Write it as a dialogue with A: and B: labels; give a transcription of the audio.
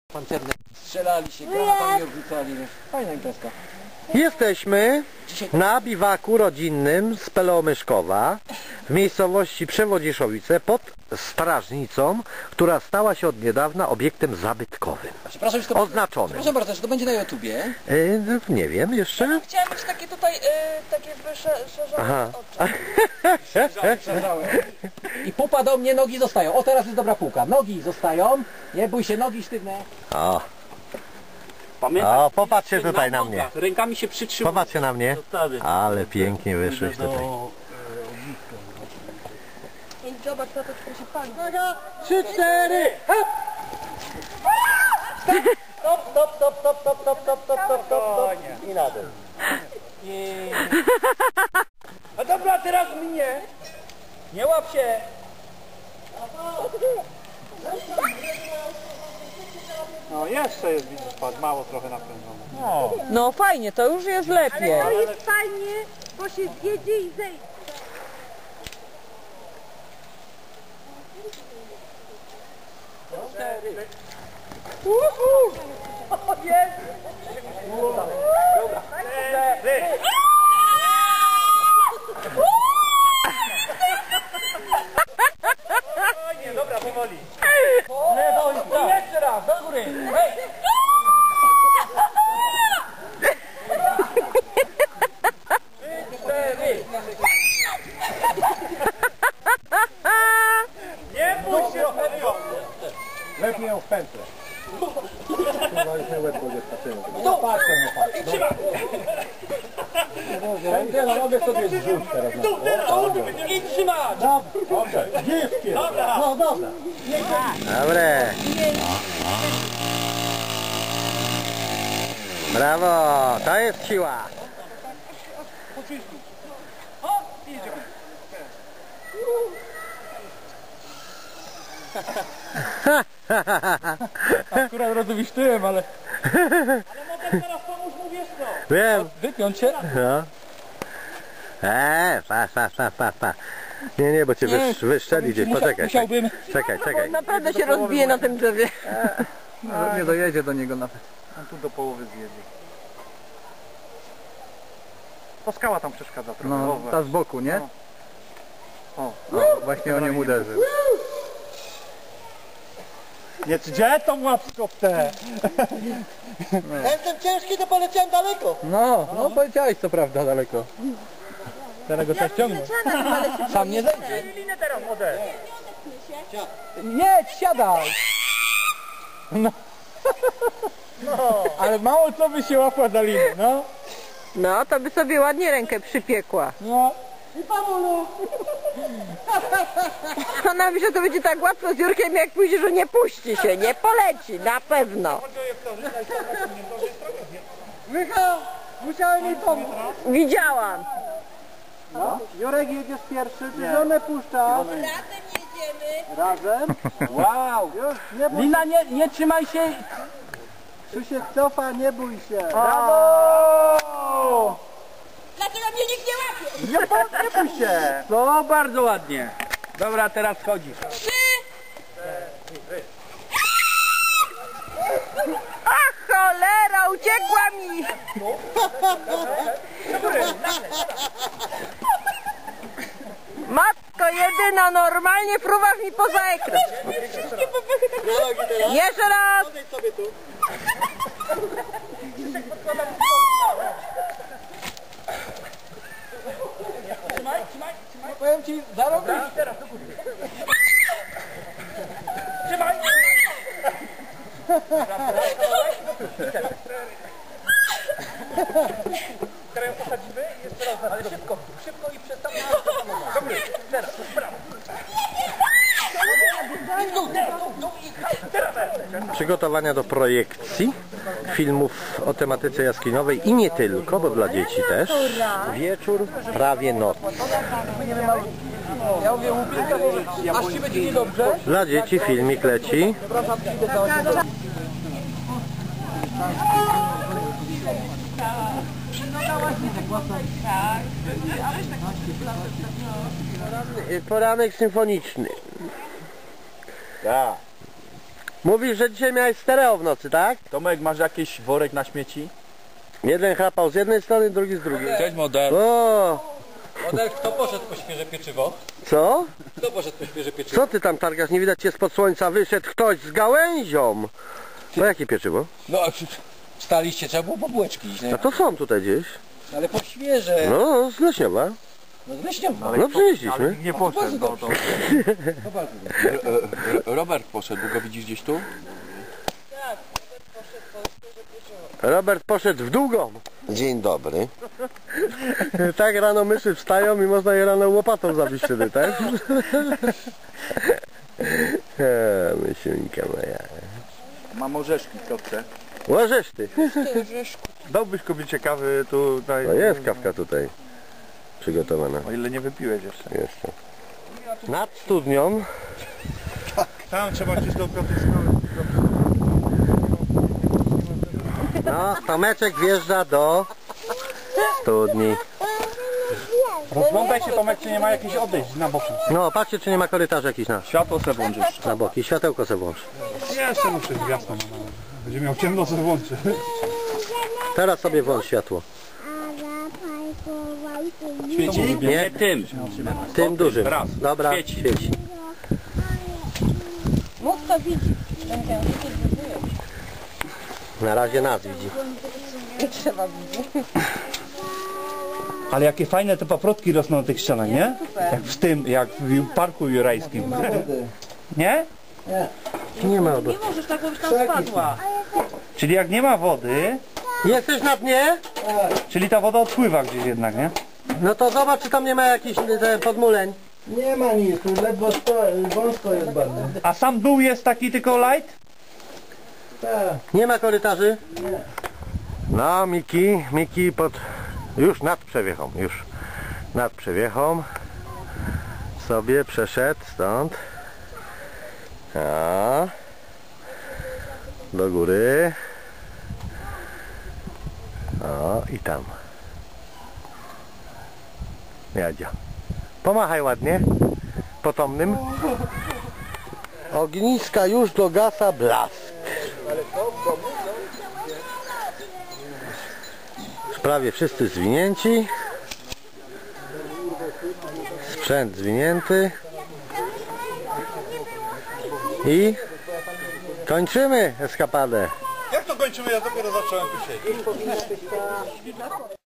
A: Pancerne strzelali się, granatami odrzucali. Fajna imprezka.
B: Jesteśmy na biwaku rodzinnym z Pelomyszkowa w miejscowości Przewodziszowice pod strażnicą, która stała się od niedawna obiektem zabytkowym. Oznaczonym.
A: Proszę bardzo, czy to będzie na YouTubie?
B: Nie wiem jeszcze.
C: Chciałam mieć takie tutaj, takie wyszerzone oczy.
A: I pupa do mnie, nogi zostają. O, teraz jest dobra półka. Nogi zostają. Nie bój się, nogi sztywne.
B: O,
D: Pamiętaj,
B: o, popatrzcie tutaj na mnie.
D: rękami się przytrzymuje.
B: Popatrzcie na mnie. Ale pięknie wyszłeś tutaj.
C: Zobacz, to się pani.
A: 3, 4, hop! Stop, stop, stop, stop, stop, stop, stop, stop, stop, stop. I na dół.
D: A dobra, teraz mnie. Nie łap się.
E: No jeszcze jest, widzisz, patrz, mało trochę napędzone.
C: No fajnie, to już jest lepiej.
F: To jest fajnie, bo się zjedzie i zejdzie.
D: Nie, dobra, powoli.
A: Lewo i prawo.
D: Jeszcze raz, do góry. Hej. Nie bój się,
E: Lepiej ją w pętlę.
A: No patrzę, nie patrzę.
E: Pętlę robię sobie zrzuć teraz.
D: i trzymać.
E: Dziewki!
D: Dobra.
E: No dobra.
B: Dobre. Brawo, to jest siła.
E: Akurat rozumiesz tyłem, ale...
D: Teraz pomóż mu, wiesz co.
B: Wiem.
E: Wypiąć się?
B: No. Pa. Nie, bo cię wyszczeli gdzieś. Poczekaj.
E: Musiałbym...
B: Czekaj.
C: Naprawdę się rozbije na tym drzewie.
E: Nie dojedzie do niego nawet. On tu do połowy zjedzie. To skała tam przeszkadza trochę. No, ta z boku, nie? O, właśnie o nią uderzył. Nie, gdzie tą łapsko w te?
A: Jestem ciężki, to poleciałem daleko.
E: No poleciałeś co prawda daleko. Teraz go trzeba ściągnąć.
A: Sam nie zejdzie.
D: Linę teraz, młode.
E: Jedź, siadaj! No. Ale mało co by się łapła za linę, no.
C: No, to by sobie ładnie rękę przypiekła.
E: No.
C: Ona myśli, że to będzie tak łatwo z Jurkiem, jak pójdzie, że nie puści się, nie poleci, na pewno.
E: Michał, musiałem jej pomóc.
C: Widziałam.
E: No. Jurek jedziesz pierwszy, ty żonę puszczasz.
F: Razem jedziemy.
E: Razem? Wow! Już, nie bój
D: Lina, nie trzymaj się.
E: Krzysiek cofa, nie bój się.
D: Brawo!
F: Dlaczego mnie nikt nie łapie?
E: Nie bój się.
D: No, bardzo ładnie. Dobra, teraz chodzisz.
F: 3.
C: Ach, cholera, uciekła mi. Matko jedyna, normalnie fruwasz mi poza ekran. Jeszcze raz.
A: Powiem ci, zarobisz.
D: Trzymaj. Teraz ją posadzimy i jeszcze raz. Ale szybko i przestawmy. Dobrze, teraz, brawo.
B: Przygotowania do projekcji filmów o tematyce jaskiniowej i nie tylko, bo dla dzieci też. Wieczór, prawie noc.
A: Ja mówię, łupinka, bo aż ci będzie niedobrze.
B: Dla dzieci filmik leci. Poranek symfoniczny.
E: Tak.
B: Mówisz, że dzisiaj miałeś stereo w nocy, tak?
G: Tomek, masz jakiś worek na śmieci?
B: Jeden chrapał z jednej strony, drugi z drugiej.
G: Cześć model.
B: O,
A: Model, kto poszedł po świeże pieczywo?
B: co?
A: Kto poszedł po świeże pieczywo?
B: Co ty tam targasz? Nie widać cię spod słońca. Wyszedł ktoś z gałęzią. No jakie pieczywo?
A: No, wstaliście, trzeba było po bułeczki iść, nie?
B: A to są tutaj gdzieś.
A: Ale po świeże.
B: No, z Leśniowa.
A: No zresztą.
B: No przynieśliśmy.
G: Nie poszedł.
A: Bardzo dobrze.
G: Robert poszedł, bo go widzisz gdzieś tu?
B: Robert poszedł w długą. Dzień dobry. Tak rano myszy wstają i można je rano łopatą zabić wtedy, tak? Mysieńka moja.
G: Mam orzeszki, kto chce.
B: Łożesz ty.
G: Dałbyś kobiecie kawy tutaj.
B: No jest kawka tutaj przygotowana.
G: O ile nie wypiłeś jeszcze.
B: Jeszcze. Nad studnią.
G: Tam trzeba gdzieś do
B: No, Tomeczek wjeżdża do studni.
G: Rozglądaj się, Tomek, czy nie ma jakichś odejść na boku.
B: No, patrzcie, czy nie ma korytarza jakiś
G: Światło se włączysz.
B: na boki. Światełko se włącz.
G: Jeszcze muszę jasno. Będzie miał ciemno, co włączy.
B: Teraz sobie włącz światło.
G: Świeci?
B: Nie,
G: tym.
B: tym dużym.
G: raz.
B: Dobra,
G: Świeci.
B: świeci.
F: Mógł to widzieć.
B: Na razie nas widzi.
G: Ale jakie fajne te paprotki rosną na tych ścianach, nie? Jak w tym, jak w parku jurajskim. Nie?
B: Nie ma wody.
F: Możesz tak, żebyś tam spadła.
G: Czyli jak nie ma wody,
B: Jesteś na dnie?
G: czyli ta woda odpływa gdzieś jednak, nie?
B: No to zobacz, czy tam nie ma jakichś podmuleń.
E: Nie ma nic, tu ledwo wąsko jest bardzo.
G: A sam dół jest taki tylko light?
B: Nie ma korytarzy? No, Miki już nad przewiechą, nad przewiechą sobie przeszedł stąd. A, do góry. O, i tam. Jadzia. Pomachaj ładnie. Potomnym. Ogniska już dogasa blask. Już prawie wszyscy zwinięci. Sprzęt zwinięty. I kończymy eskapadę.
G: Jak to kończymy? Ja dopiero zacząłem tu siedzieć.